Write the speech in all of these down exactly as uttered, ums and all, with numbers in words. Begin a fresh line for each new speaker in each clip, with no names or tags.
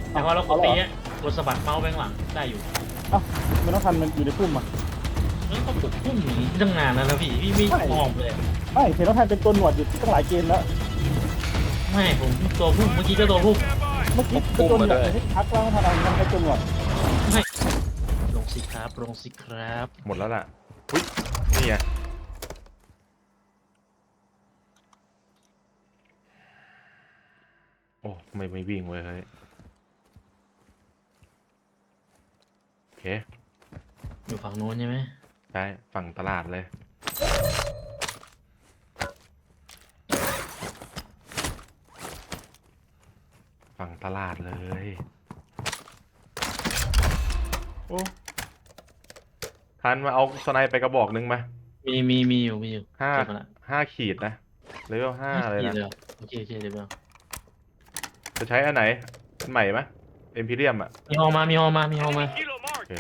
แต่ว่าเรากดตีเนี่ยกดสะบัดเมาส์ไปข้างหลังได้อยู่
เอ้ามันต้องทันมันอยู่ในพุ่มอ่ะ
แล้วก็ปลุกพุ่งอย่างนี้ตั้งนานแล้วนะพี่พี่ไม่มองเลย
ไม่เห็นต้องทันเป็นตัวหนวดอยู่ตั้งหลายเกมแล้ว
ไม่ผมตัวพุ่งเมื่อกี้ก็ตัวพุ่ง
เมื่อกี้เป็นตัวหนวดให้ทักแล้วไม่ทันอะไรมันเป็นตัวหนวด
ไม่ลงสิครับลงสิครับ
หมดแล้วล่ะอุ้ยนี่ไงโอ้ไม่ไม่วิ่งเว้ยเฮ้ยโอเค
อยู่ฝั่งโน้นใช่ไหม
ใช่ฝั่งตลาดเลยฝั่งตลาดเลยโอ้ทันมาเอาสไนไปกระบอกหนึ่งมา
มีมีมีอยู่มีอยู่
ห้า
เก็บมาละ
ห้าขีดนะเลเวลห้าเลย
ขีด
นะ
เลยเหรอโอเคโอเคเดี๋ยวเอา
จะใช้อันไหนอันใหม่ไหมเอ็มพีเรียมอ่ะ
มีฮอมามีฮอมามีฮอมา
โอเค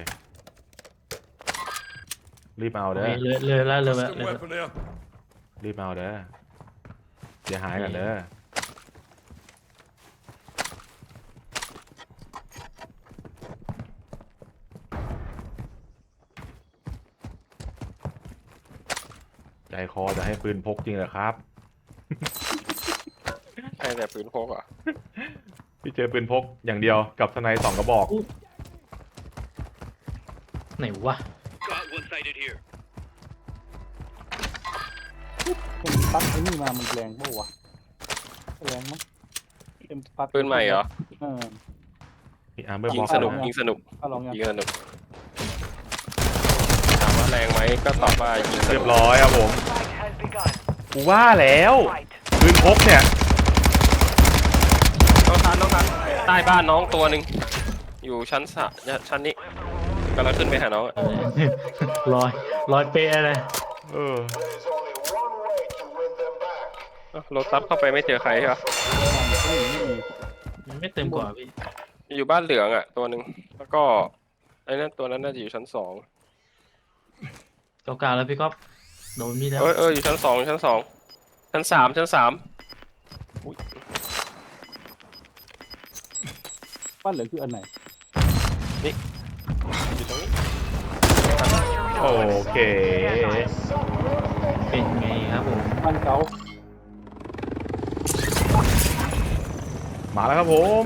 รีบเอา
โอ
เด้
เค
อ
เลยเลยแล้วเลยแล้วเลย
weapon here.
รีบเอาเด้อเสียหายกันเด้อใจคอจะให้ปืนพกจริงเหรอครับ
ใช่แต่ปืนพกอ่ะ
พี่เจอปืนพกอย่างเดียวกับสไนสองกระบอก
ไหนวะ
Got one sighted here.
เป็นปักไอ้นี่มามันแรงเปล่าวะแรงมั้งเป็นปัก
ปืนใหม่เหรอ
เออ
มีอาร์เบอร์
ยิ
บ็
ง
อก
สนุก
เอาลอง
ยิงสนุก
เอาลองยัง
ยิงสนุกถามว่าแรงไหมก็ตอบว่ายิงส
เรี
นุ
ย
ก
บร้อยครับผมกูว่าแล้วปืนพกเนี่ย
น้องทันน้องทันใต้บ้านน้องตัวหนึ่งอยู่ชั้นสะชั้นนี้กำลังขึ้นไปหาน้องอะ
เออลอยลอยเปะเลย
เออ
เอ้าโรตัสเข้าไปไม่เจอใครใช่ปะ
ไม่มีไม่มี
มันไม่เต็มกว่าพี่
อยู่บ้านเหลืองอ่ะตัวหนึ่งแล้วก็ไอ้นั่นตัวนั้นน่าจะอยู่ชั้นสอง
เก่าๆแล้วพี่ก๊อฟโดนพี่แล้ว
เออเอออยู่ชั้นสองชั้นสองชั้นสามชั้นสาม
บ้านเหลือคืออันไหน
อยู่ตรงนี้
โอเค
เป็นไงครับผม
บ้านเก่า
มาแล้วครับผม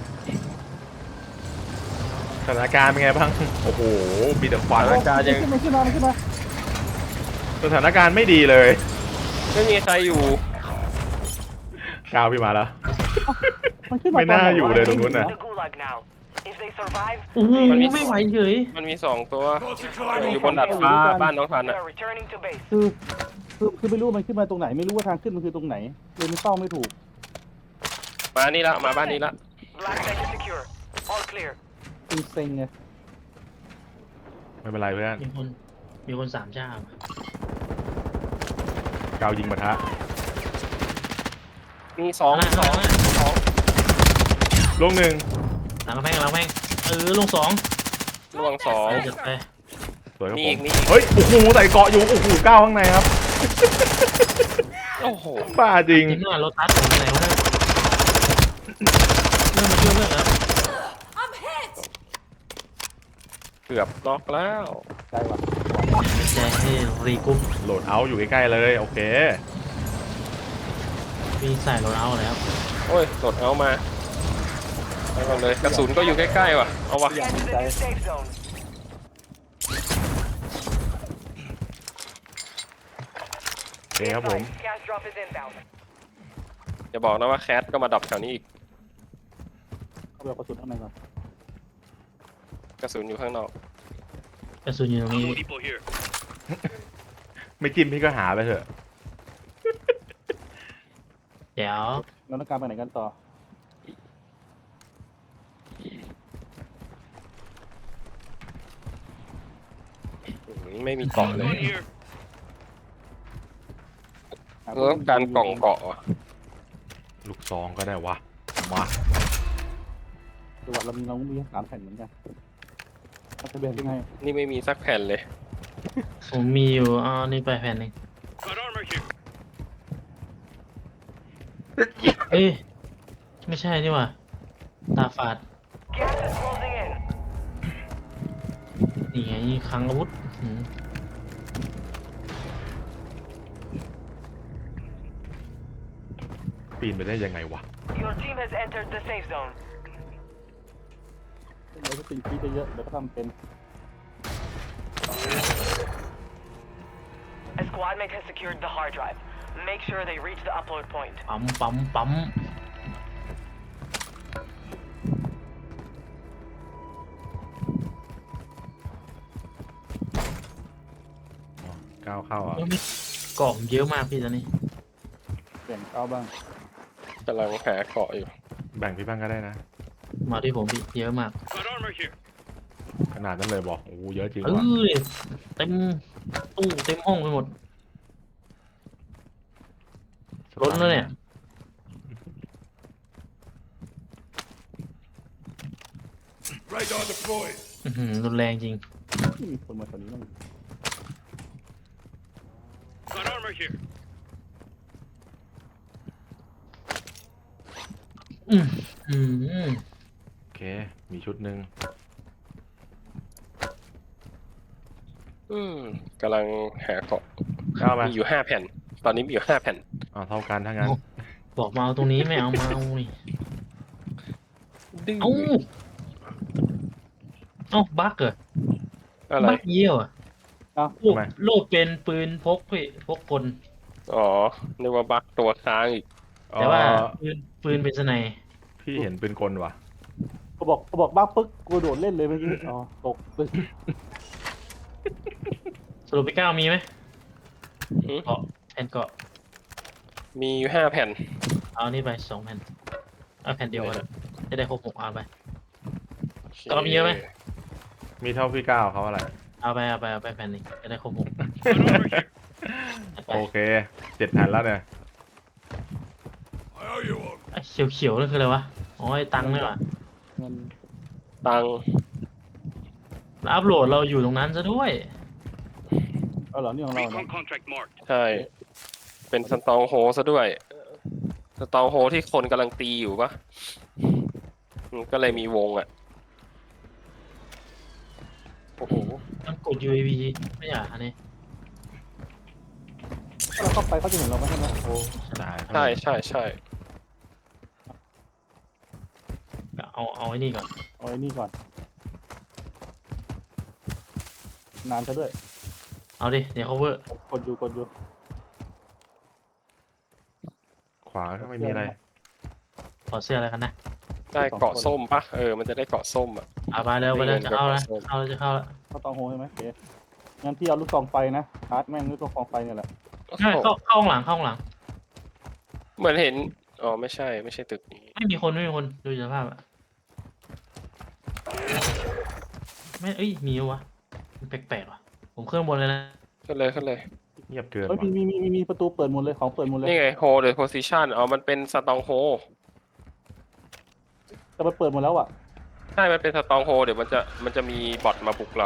สถานการณ์เป็นไงบ้างโอ้โหมีแต่ควัน
สถานการณ์ยัง
ขึ้นมาขึ้นมาขึ้นมา
สถานการณ์ไม่ดีเลย
ไม่มีใครอยู่
กาวพี่มาแล้ว
มันขึ้นมา
ไม่น่าอยู่เลยตรงนู้นน่ะ
The gulag now. If they survive,
โอ้โห
มันมี
ไม่ไหวเฉย
มันมีสองตัว
Got
อยู่
you
บนดาดฟ้าบ้านน้องทัน
they
อ่ะ
are returning to base.
คือคือคือไม่รู้มันขึ้นมาตรงไหนไม่รู้ว่าทางขึ้นมันคือตรงไหนเลยไม่เฝ้าไม่ถูก
มานี่ละมาบ้านนี้ละ
Black site is secure. All clear.
จริงเซ็งไง
ไม่เป็นไรเพื่อน
มีคนมีคนสามเจ้าก
าวยิงปะทะ
มีสอง
หน้า
ส
ส
อ
อง ง
สอง
ลูกหนึ่ง
หลังกำแพงหลังกำแพงเออลงสอง
ล่วงสอง
ไปเดี๋ยวไป
สวยครับ
มี
ผ
อี
ม
กมีอีก
เฮ้ยโอ้โหใส่เกาะอยู่โอ้โหก้าวข้างในครับ
โอ้โห
บ้าจริง
จริงด้วยรถตัดผมไปไหนวะเนี่ยเริ่มมาช่วยเรื่องแล้ว
เกือบน็อกแล้ว
ใจว่ะ
ใจให้รีกรุ๊ป
โหลดเอาท์อยู่ใกล้ๆเลยโอเค
มีใส่รถเอาแล้ว
โอ้ยโดดเอามาไปก่อนเลยกระสุนก็อยู่ใกล้ๆว่ะเอาวะ
Get to the new safe zone.
โอเคครับผม
Gas drop is inbound.
อย่าบอกนะว่าแคทก็มาดับแถวนี้อีก
เอาไปเอากระสุนข้างในก่อน
กระสุนอยู่ข้างนอก
กระสุนอยู่ตรงนี้
people here.
ไม่จิ้มพี่ก็หาไปเถอะ
เดี๋ยว
เราต้องการไปไหนกันต่อ
อืมไม่มีเกาะเลย
One here.
เออการกล่องเกาะว่ะ
ลูกซองก็ได้วะมา
จังหวัดเรามีเรามีสามแผ่นเหมือนกันเราจะแบ่งยังไง
นี่ไม่มีสักแผ่นเลย
ผมมีอยู่อ๋อนี่ไปแผ่นหนึง
Got armor here.
เอ้ยไม่ใช่นี่หว่าตาฝาด
Gas is closing in.
นี่ไงคลังอาวุธอืม
ปีนไปได้ยังไงวะ
Your team has entered the safe zone.
เราจะสิ่งที่เยอะเดี๋ยวก็ทำเป็น
A squad mate has secured the hard drive. Make sure they reach the upload point.
ปั๊มปั๊มปั๊ม
อ๋อก้าวเข้าอ่ะ
โอ้ยกล่องเยอะมากพี่ตอนนี้
เปลี่ยนเอาบ้าง
กำลังหาเกาะอยู่
แบ่งพี่บ้างก็ได้นะ
มาที่ผมพี่เยอะมาก
Got armor here.
ขนาดนั้นเลยบอกโอ้โหเยอะจริง
เอ
ว่ะ
อเต็มตู้เต็มห้องไปหมดล้นแล้วเนี่ย
Radar deployed.
อื้อหือรุนแรงจริง
ไม่มีคนมาตอนนี้มั้ง
Got armor here.
อืมอืม
โอเค มีชุดหนึ่ง
อืมกำลังหาเกาะ
ก้าวไป
มีอยู่ห้าแผ่น ตอนนี้มีอยู่ห้าแผ่น
อ๋อเท่ากันถ้างั้น
บอกมาเอาตรงนี้ไม่เอามาเอานี่
ดื้อ
เอ้าเอ้าบั๊กเหรอ
อะไร
บั๊กเยี่ยวอ่ะ
เอา
โลกโลกเป็นปืนพกพี่พกกล
อ๋อนึกว่าบักตัวค้างอีก
แต่ว่า
อ๋อ
ปืนปืนเป็นสไน
พี่เห็นเป็นกลว่ะ
เขาบอกเขาบอกบ้าปึ๊กกูโดดเล่นเลยเมื่อกี้อ๋อตกปึ๊ก
สรุปไปเก้ามีไหม
หือ
เกาะแผ่นเกาะ
มีอยู่ห้าแผ่น
เอานี่ไปสองแผ่นเอาแผ่นเดียวกันจะได้ครบหกเอาไป ก็มีเยอะไหม
มีเท่าพี่ก้าวเขาอะไร
เอาไปเอาไปเอาไปแผ่นหนึงจะได้ครบหก
Got armor here.
เอาไป
โอเคเจ็ดแผ่นแล้วเนี่ย
I owe you one.
ไอ้เขียวเขียวๆนั่นคืออะไรวะอ๋อไอ้ตังค์นี่หว่า
เงิน
ตัง
แล้วอัพโหลดเราอยู่ตรงนั้นซะด้วย
เอาเหรอนี่ของเราเนาะ
Recon contract marked.
ใช่ เป็นสตองโฮซะด้วย สตองโฮที่คนกำลังตีอยู่ปะอืมก็เลยมีวงอ่ะ
โอ้โหมันกด ยู เอ วี ไม่อยากอันนี้
ถ้าเราเข้าไปเขาจะเห็นเราไหมใช่ไหม
โอ้
ได้
ใช่ใช่ใช่
เอาเอาไอ้นี่ก่อน
เอาไอ้นี่ก่อนนานซะด้วย
เอาดิเดี๋ยว cover
กดอยู่กดอยู่
ขวาก็ไม่มีอะไร
ขอเสื้ออะไรกันนะ
ได้เกาะส้มปะเออ มันจะได้เกาะส้มอ่ะ
เอาไปเร็วไปเร็วจะเข้าแล้ว
เงินกับ
เข้าแล้วจะเข้าแล้ว
เขาตองโฮใช่ไหมโอเคงั้นพี่เอาลูกซองไฟนะชาร์จแม่งลูกซองไฟเนี่ยแหละ
ใช่เข้าเข้าข้างหลังเข้าข้างหลัง
เหมือนเห็น อ๋อ ไม่ใช่ ไม่ใช่ตึกนี้
ไม่มีคนไม่มีคนดูสภาพอะไม่เอ้ยมีวะมันแปลกๆว่ะผมเครื่องบนเลยนะ
ขึ้นเลยขึ้นเลย
เงียบเกิน
เฮ้ย
ว่ะ
มีมีมีมีประตูเปิดหมดเลยของเปิดหมดเลย
นี่ไง hold the position อ๋อ มันเป็นสตองโฮ
แต่มันเปิดหมดแล้วอ่ะ
ใช่ มันเป็นสตองโฮ เดี๋ยวมันจะ มันจะมีบอทมาบุกเรา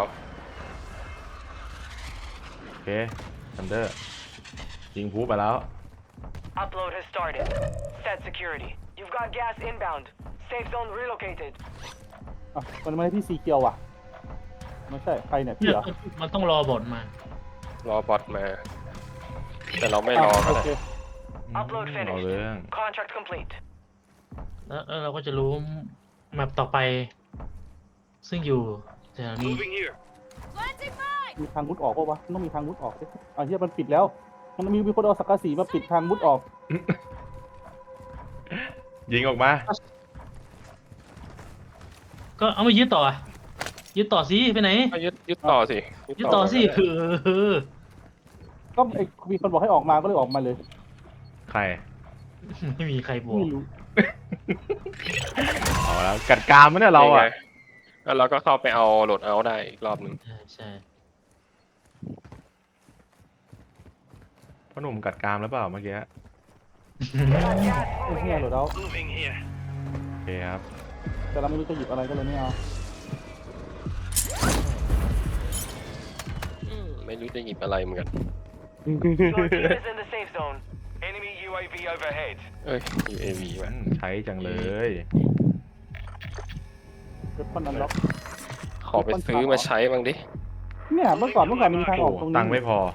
โอเคทันเดอร์ยิงพูไปแล้ว
Upload has started. Set security. You've got gas inbound. Safe zone relocated.
อ่ะมันไม่ให้ที่สีเกียวอ่ะไม่ใช่ใครเนี่ยพี่
เนี่ย
เหรอ
มันต้องรอบอดมา
รอบอทมา แต่เราไม่รอ
อ่ะ
ก็
โอ
ได้
เค
Upload
เอา
finished.
เรื่อง
Contract complete.
แล้วแล้วเราก็จะรู้แมปต่อไป ซึ่งอยู่แถวนี้
Moving here.
มีทางมุดออกปะวะมันต้องมีทางมุดออกดิอ่ะเฮียมันปิดแล้ว มันมีมีคนเอาสังกะสีมาปิดทางมุดออก
ยิงออกมา
ก็เอามายึดต่ออะยึดต่อสิไปไหน
ก็ยึดยึดต่อสิ
ยึดต่อสิ
ก็ได้
คือ
ก็ไอ้มีคนบอกให้ออกมาก็เลยออกมาเลย
ใคร
ไม่มีใครบอก
ไม่รู้
เอาแล้วกัดกรามมั้ยเนี่ยเราอ่ะ
นี่ไงแล้วเราก็เข้าไปเอาโหลดเอาท์ได้อีกรอบหนึ่ง
ใช่ใช่
พ่อหนุ่มกัดกรามหรือเปล่าเมื่อกี้
Got gas
ไอ้
moving
เฮีย
in.
โหลดเอา
Moving here.
โอเคครับ
แต่เราไม่รู้จะหยิบอะไรก็เลยไม่เอา
อืมไม่รู้จะหยิบอะไรเหมือนกัน
Your team is in the safe zone. Enemy U A V overhead.
เอ้ย ยู เอ วี
อื
ว่ะ
มใช้จังเลย
อ
เว็บพอนอันล็อก
ขอไปซื้อมาใช้บ้างดิ
เนี่ยเมื่อก่อนเมื่อก่อนมันมีทางอ
โอ้
อกตรงนี้
ตังค์ไม่พอ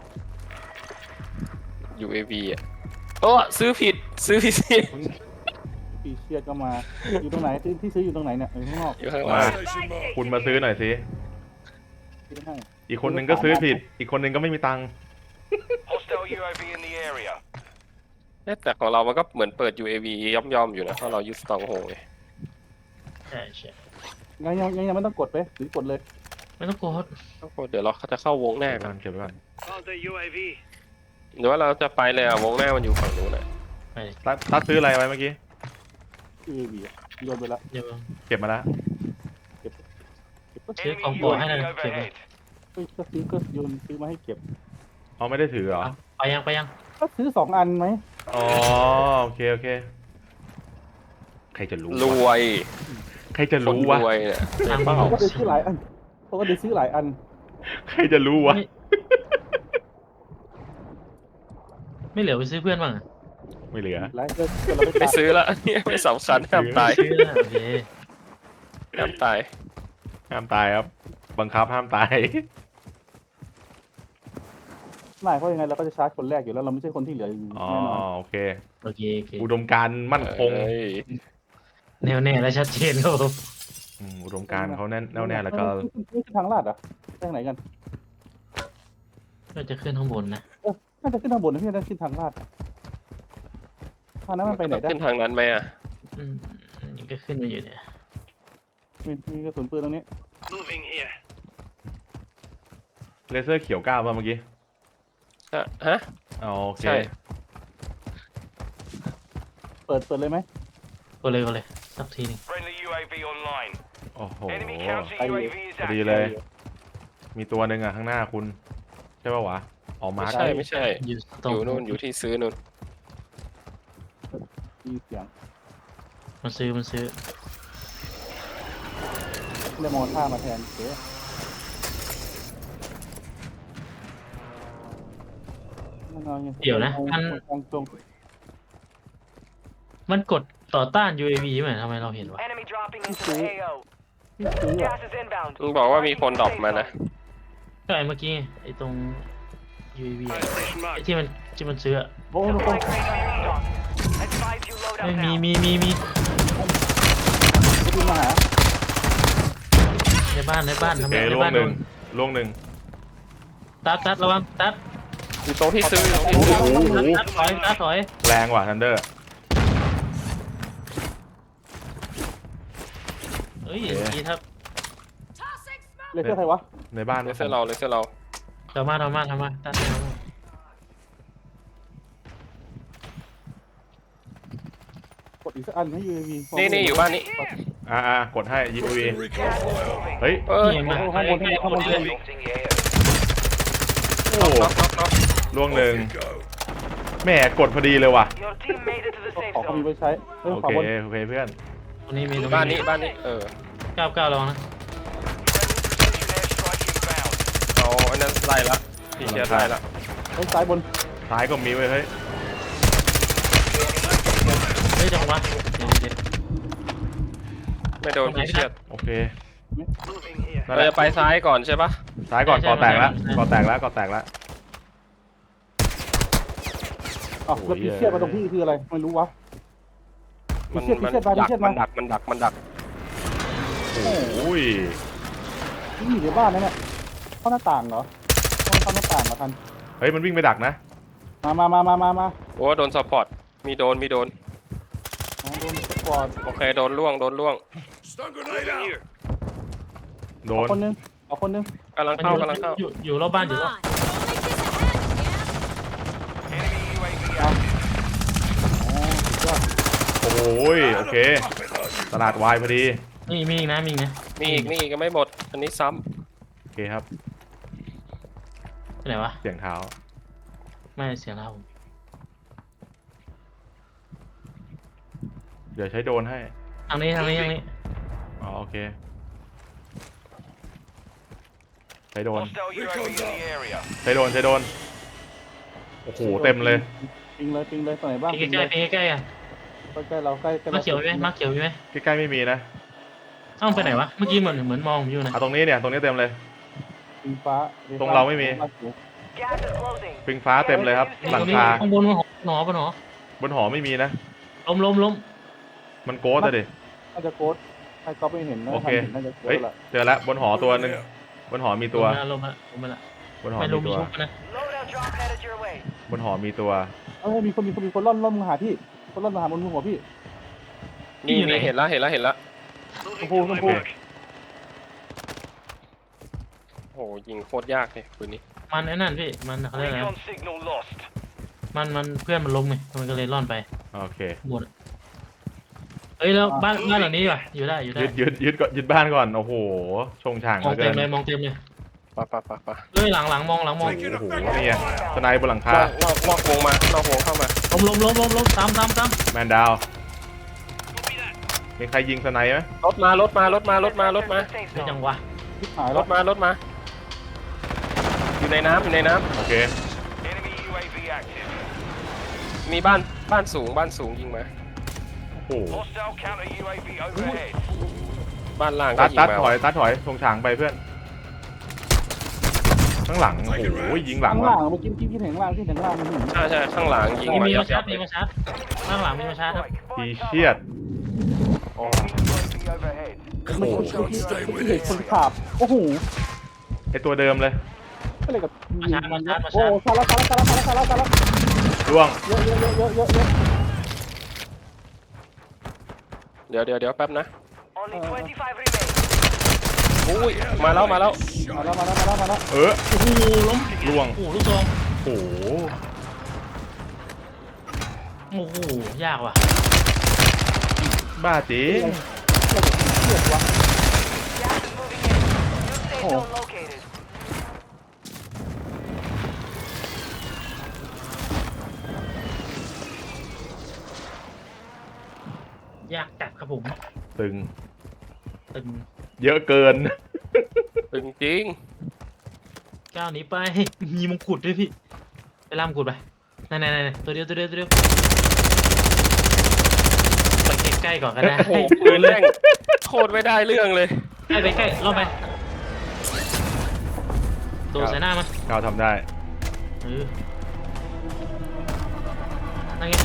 ยู เอ วี อ่ะโอ้ซื้อผิดซื้อผิดสิ
ปีเชียดก็มาอยู่ตรงไหนที่ที่ซื้ออยู่ตรงไหนเนี่ยอยู่ข้างนอก
อยู่ข้างห
มา
ลัง
Station marked.
คุณมาซื้อหน่อยสิ
ซื้อให้
อีกคนหนึ่งก็ซื้อผิด อีกคนหนึ่งก็ไม่มีตังค์
Hostile U A V in the area.
เอ๊ะแต่ของเรามันก็เหมือนเปิด ยู เอ วี ย่อมๆอยู่นะเพราะเรายึดสตองโฮไง
ใช่ใช่
ยังยังยังยังไม่ต้องกดไปหรือกดเลย
ไม่ต้องกด
โอ้โหเดี๋ยวเราจะเข้าวงหน้า
เก็บ
กั
ก่อน นเก็บไว้ก่อน
Found the U A V.
หรือว่าเราจะไปเลยอ่ะวงหน้ามันอยู่ฝั่งนู้นอ่ะ
ไปดิ
ตัดตัดซื้ออะไรไว้เมื่อกี้
คือวีโยนไปแล้ว
เดี๋ยว
เก็บมาแล้ว
เก็บเก็บก็
ซื้อ
Enemy
ของโปรดให้หน่อย
U A V
เก็บไว้
overhead.
เฮ้ยก็ซื้อก็โยนซื้อมาให้เก็บ
เอาไม่ได้ถือเหรอ
เอาไปยังไปยัง
ก็ซื้อสองอันไหม
อ๋อ โอเค โอเค ใครจะรู้
ร
วะ
วย
ใครจะ
คน
รู้
ร
วะ
วยเนี่ย
ทาง
เปล่า
ก็ได้ซื้อหลายอันเขาก็ได้ซื้อหลายอัน
ใครจะรู้วะ
ไม่เหลือไปซื้อเพื่อนบ้างอะ
ไม่เหลือ
หลายเกินเกินเราไป
ไม่
จ่าย
ซื้อละเนี่ยไม่สำคัญห้ามตาย
ซื้อแล้วโอเค
ห้ามตาย
ห้ามตายครับ บังคับห้ามตาย
ไม่เพราะยังไงเราก็จะชาร์จคนแรกอยู่แล้วเราไม่ใช่คนที่เหลืออยู่
อ๋อ
แน่นอน
โอเค
โอเคโอเค
อุดมการณ์มั่นคง
เอ้ย
แน่วแน่และชัดเจนครับผม
อืมอุดมการณ์เขาแน่นแน่วแน่แล้วก็
นี่คือทางลาดเหรอ่ะทางไหนกัน
ก็จะขึ้นข้างบนนะ
น่าจะขึ้นทางบนนะพี่น่าจะขึ้นทางลาดทางนั้นมันไปไหนได้
ขึ้นทางนั้นไหมอ่ะ
อืมนี่ก็ขึ้นมาอยู่เนี่ย
มีมีกระสุนปืนตรงนี้
Moving here.
เลเซอร์เขียวก้าวป่ะเมื่อกี้
ฮะฮะ
อ๋อโอเค
ใช่
เปิดเปิดเลยไหม
ก็เลยก็เลยสักทีหนึง
Friendly U A V online.
โอ้โห
Enemy counter U A V is
พอดี
active.
เลย มีตัวหนึ่งอ่ะข้างหน้าคุณ ใช่ป่าววะอ๋อมา
ไม่
ร์ค
ใช่ไม่ใช่
อยู่ต
อ
รง
ยู่นู่นอยู่ที่ซื้อนู่น
มีเสียง
มันซื้อมันซื้อ
เลยมองท่ามาแทนเก๋ตรง
มันกดต่อต้าน ยู เอ วี ไหมทำไมเราเห็นวะ
Enemy dropping into the A O.
ที่ซื้อ
Gas is inbound.
มึงบอกว่ามีคนดรอปมานะ
ก็ไอ้เมื่อกี้ไอ้ตรง ยู เอ วี
Fire station
ไอ้
marked.
ที่มันที่มันซื้ออะ
โอ้โห
Supply crate on restock. Advise you load
ไม่
up
มี
now.
มีมีมี
คุณมาหา
ในบ้านในบ้าน
โอ
ทำไม
เค
ใน
ล่ว
บ้าง น
ห
โด
นึ่ง
น
ล่วงหนึ่ง
ตัดตัดระวังตัด
อยู่ตรงที่ซื้ออยู่ตรงที่ซื้อ
ตัดตัดถอยตัดถอย
แรงว่ะทันเดอร์
เอ้ย
โอเค
ดีครับ
เลเซอร์ใครวะ
ในบ้าน
เลเซอร์เราเลเซอร์เรา
ทำมาทำมาทำมาตัดทำมาก
ดอีกสักอันให้ ยู เอ วี
นี่นี่อยู่บ้านนี้
อ่าอ่ากดให้ ยู วี
Recon flyover.
เฮ้ย
เอ้ย
นี่มา
ข้างบนข้างบนข้างบน
Approaching the A O.
โอ้
น็อกน็อกน็อก
ล่วงหนึ่ง
Go.
แหม่กดพอดีเลยว่ะ
Your team made it to the
ขอ
safe
เขามี
zone.
ไว้ใช้เออ
โอ
ขอ
เค
บน
โอเคเพื่อน
ตรงนี้มีตรง
บ้านนี้บ้านนี้เออ
เก้าเก้าลองนะ
Friendly precision airstrike inbound.
เอาอันนั้นไล่ละพี่เชียร์ไล่ละ
เฮ้ยซ้ายบน
ซ้ายก็มีไว้ยเฮ้ย
เฮ้ยจังหวะเดี๋ยวเดี๋ยว
ไม่โดนพี่เชียร์
โอเค
Moving here.
นั่น
เรา
แหละ
จะไปซ้ายก่อนใช่ปะ
ซ้ายก่อนก่อแตกแล้วก่อแตกแล้วก่อแตกแล้ว
อ๋อแล้วพีเชียดมาตรงพี่คืออะไรไม่รู้วะ
มัน
พีเชียด
มั
พี
น
เชียดมาพี
ดัก
เชียด
มั
มาน
ดักมันดักมันดัก
โอ้ย
นี่อยู่ในบ้านนั่นแหละเข้าหน้าต่างเหรอต้องเข้าหน้าต่างมาทัน
เฮ้ยมันวิ่งไปดักนะ
มามามามามามา
โอ้โดนซัพพอร์ตมีโดนมีโดน
โดนสปอร์ต
โอเคโดนล่วงโดนล่วง
Stun grenade out. Here.
โด
เอา
น
คนนึงเอาคนนึง
กำลัง
มัน
เข้า
อยู่
กำลังเข้า
อยู่อยู่รอบบ้านอยู่รอบ
Enemy U A V out.
อ๋อสุดยอด
โอ้ยโอเค ตลาดวายพอดี
นี่มีอีกนะมีอีกนะ
มีอีกมีอีกก็ไม่หมด อันนี้ซ้
โอเคครับ
ไปไหนวะ
เสียงเท้า
ไม่เสียงเราผม
เดี๋ยวใช้โดรนให้
ทางนี้ทางนี้ทางนี้
อ๋อโอเค ใช้โดรน
Hostile U A V in the area.
ใช้โดรนใช้โดรนโอ้โหเต็มเลย
ปิงเลยปิงเลยตรงไหนบ้าง
ใกล้ใกล้ใกล้ใกล้ๆอ่ะ
ใกล้ๆเราใกล้ใกล้
มาเขียวมีไหมมาเขียวมีไหม
ใกล้ๆไม่มีนะ
เอ้าไปไหนวะเมื่อกี้เหมือนเหมือนมองผมอยู่นะ
เอาตรงนี้เนี่ยตรงนี้เต็มเลย
ปิงฟ้า
ตรงเราไม่มี
Gas is closing.
ปิงฟ้าเต็มเลยครับ หลังคา
ข้างบนบนหอหนอบนหอบ
นหอไม่มีนะ
ล้มล้มล้ม
มันโกสอะดิ
น่าจะโค้ดใครก็ไม่เห็นนะ
โอเค
ทำห็นน่าจะโค้
เฮ้ย
ดละ
เจอแล้วบนหอตัวหนึ่งบนหอมีตัว
ล้มละล้มละล้มละ
บนหอ
ไม่
มี
ล้มมี
ตัว
ชุบนะ
Loadout drop headed your way.
บนหอมีตัว
เออมีคนมีคนมีคนล่อนล่อนมาหาพี่คนล่อนมาหาบนหัวพี่
นี่นี่เห็นแล้วเห็นแล้วเห็นแล้ว
ชมพูชมพู
โอ้โหยิงโคตรยากเลยปืนนี้
มันไอ้นั่นพี่มันเขาเรียกอะไร
Recon signal lost.
มันมันเพื่อนมันล้มไงมันก็เลยร่อนไป
โอเค
หมดเอ้ยแล้วบ้านบ้านหลังนี้ว่ะอยู่ได้อยู่ได้
ยึดยึดยึดก่อนยึดบ้านก่อน โอ้โห ชงช่างเห
มอ
ลื
ง
อเกิ
เต็ม
น
เลยมองเต็มเลย
ปะปะปะปะ
เอ้ยหลังหลังมองหลังมอง
โอ้โหนี่ไงสไนป์บนหลังคาน
อกนอกนอกวงมานอกวงเข้ามา
ล้มล้มล้มล้มล้มตามตามตาม
แมนดาว มีใครยิงสไนป์ไหม
รถมารถมารถมารถมารถมา
Safe
ไม่
zone.
จังวะ
พี่หาย
ร
แล้ว
ถมารถมา อยู่ในน้ำอยู่ในน้
โอเค
Enemy U A V active.
ำมีบ้านบ้านสูงบ้านสูงยิงมา
โอ้โห
Hostile counter U A V overhead.
บ้านล่างก็
ตัด
ยิง
ตัด
มา
ถอยตัดถอยชงช่างไปเพื่อน ข้างหลัง โอ้โห ยิงหลัง
ข้าง
ว่ะ
ล่างเมื่อกี้ที่พี่เห็นข้างล่างที่เห็นข้างล่างมันเห็น
ใช่ใช่ข้างหลังยิง
มี
มา
มี
ยั
มา
บ
ชา
ยั
ร์
บ
จมีมาชาร์จข้างหลังมีมาชาร์จครับ
อีเชียด
Enemy U A V overhead.
มันคนที่ที่เห็นคนขาบโอ้โห
ไอตัวเดิมเลย
ก็เลยกับ
มาชาร์จมาชาร์จมา
โอ้
ชาร์จ
ซาละซาละซาละซาละซาละซาละ
ร่วง
เยอะเยอะเยอะเยอะเยอะเยอะ
เดี๋ยวเดี๋ยวเดี๋ยวแป๊บนะ
Only twenty-five remain.
อุ้ยมาแล้วมาแล้ว
มาแล้วมาแล้วมาแล้วมาแล้ว
เออ
โอ้โหล้ม
ร่วง
โอ้โหลูกซอง
โอ้โห
โอ้โหยากว่ะ
บ้าจริง
เลือดวะ
Gas is moving in. New safe
Oh.
zone located.
ยากจัดครับผม
ตึง
ตึง
เยอะเกิน
ตึงจริง
ก้าวหนี้ไป มีมงกุฎด้วยพี่ไปล่ามงกุฎไปไหนไหนไหนตัวเดียวตัวเดียวตัวเดียวไปใกล้ๆก่อนก็ได้
โอ้โหปืนแม่งโคตรไม่ได้เรื่องเลย
ใกล้ไปใกล้รอบไปโดดใส่หน้ามัน
เราทำได้
เออนั่นไง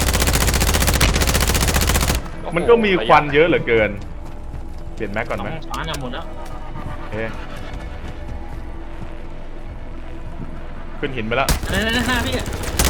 มันก็มีควันเยอะเหลือเกิน เปลี่ยนแม็กก่อน
สอ
ไหม
งช้อนอะหมดแล้ว
โอเคขึ้นหินไปแล้ว
นั่นนั่นหน้าพี่อะ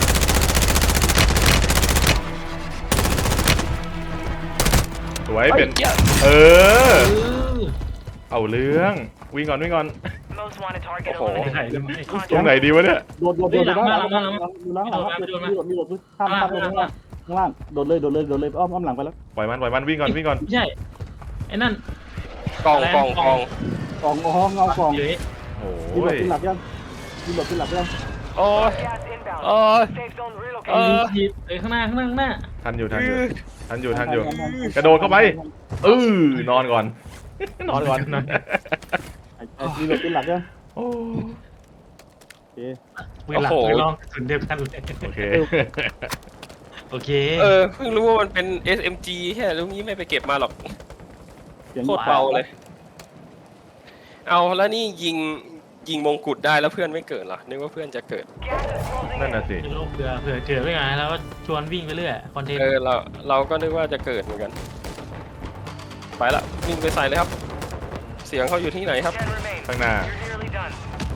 สวยเป็น เออ
เออ
เอาเรื่อง วิ่งก่อนวิ่งก่อน
Most wanted target
Oh.
eliminated.
ไหนเลยไม่
ตรงไหนดีวะเนี่ย
โดดโดดโดดโดดหลังหลังหลังหลังหลังหลังหลังมีโดดมีโดดข้ามข้ามข้างล่างข้างล่างโดดเลยโดดเลยโดดเลยอ้อมอ้อมหลังไปแล้ว
ปล่อยมันปล่อยมันวิ่งก่อนวิ่งก่อน
ไม่ใช่ไอ้นั่น
กองกองกอง
กองอ๋อเงากอง
เยอะ
โอ้
มีโดด
ย
ขึ้นหลับยังมีโดดขึ้นหลับยัง
โอ้ย
Gas inbound.
โอ้ย
Safe zone
เอ
relocated.
อ
ทีเอ้ยข้างหน้าข้างหน้าข้างหน้า
ทันอยู่ทันอยู่ทันอยู่ทันอยู่ กระโดดเข้าไปเออนอนก่อน นอนก่อน
มีโดดขึ้นหลับยัง
โอ้
โอเค
เวลาไปลองกระสุนเดียวกันเลย
โอเค
โอเค
เออเพิ่งรู้ว่ามันเป็น เอส เอ็ม จี แค่รู้งี้ไม่ไปเก็บมาหรอก
เสียง
โคตรเบาเลย เอาแล้วนี่ยิงยิงมงกุฎได้แล้วเพื่อนไม่เกิดเหรอนึกว่าเพื่อนจะเกิด
Gas is closing
นั่น
in.
น่ะสิ
เดี๋ยวเผื่อเผื่อเกิดไม่ไงแล้วก็ชวนวิ่งไปเรื่อยคอนเทนต์
เออเราเราก็นึกว่าจะเกิดเหมือนกัน ไปละวิ่งไปใส่เลยครับ เสียงเขาอยู่ที่ไหนครับ
Ten remain.
ข้างหน้า
You're nearly done.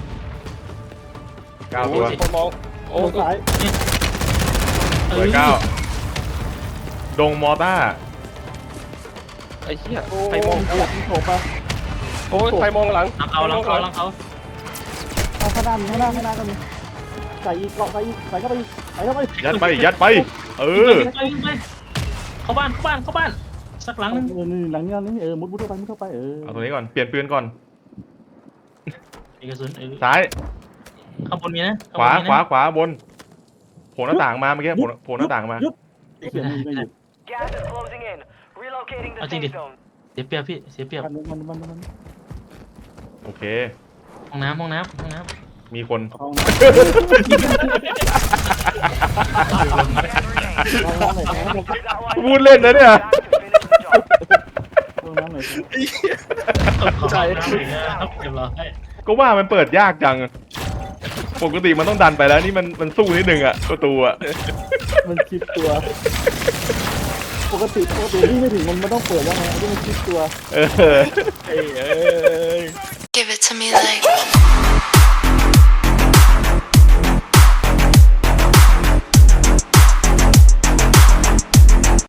เก้าตัว
โอ้ยคนมองโอ้
โดดซ้าย
สวยเก้าดงมอต้า
ไอ้เหี้ย
โอ้
ใครมอง
ยโถไป
โอ้ยใครมองหลัง
หลังเขาหลังเขาหลังเขา
ข้างหน้ามีข้างหน้าข้างหน้าก็มีใส่อีกเกาะใส่อีกใส่เข้าไปใส่เข้าไป
ยัดไปยัดไป เออ
ไปไปเข้าบ้านเข้าบ้านเข้าบ้านสักหลังนึง
เออนี่หลังนี้นี่เออมุดมุดเข้าไปมุดเข้าไปเออ
เอาตรงนี้ก่อน เปลี่ยนปืนก่อน
มีกระสุนเออ
ซ้าย
ข้างบนมีนะ
ขวา ขวา ขวา บน โผล่หน้าต่างมาเมื่อกี้ โผล่โผล่หน้าต่างมา
เสียงไม่หยุด
Gas is closing in. Relocating the safe zone.
เสียเปรียบพี่เสียเปรียบ
มันมันมันมัน
โอเค
ห้องน้ำห้องน้ำห้องน้
มีคน
เอาน้ำไหน
That one.
พูดเล่นนะเนี่ย
Back to finish the job.
เอาน้ำไหน
ต้องขอน้ำอีกนะต้องเก็บรอให้
ก็ว่ามันเปิดยากจัง ปกติมันต้องดันไปแล้วนี่มันมันสู้นิดนึงอะประตูอะ
มันคิดตัว ปกติปกติที่ไม่ถึงมันไม่ต้องเปิดแล้วไงที่มันคิดตัว
เออ
เอ้ย
Give it to me like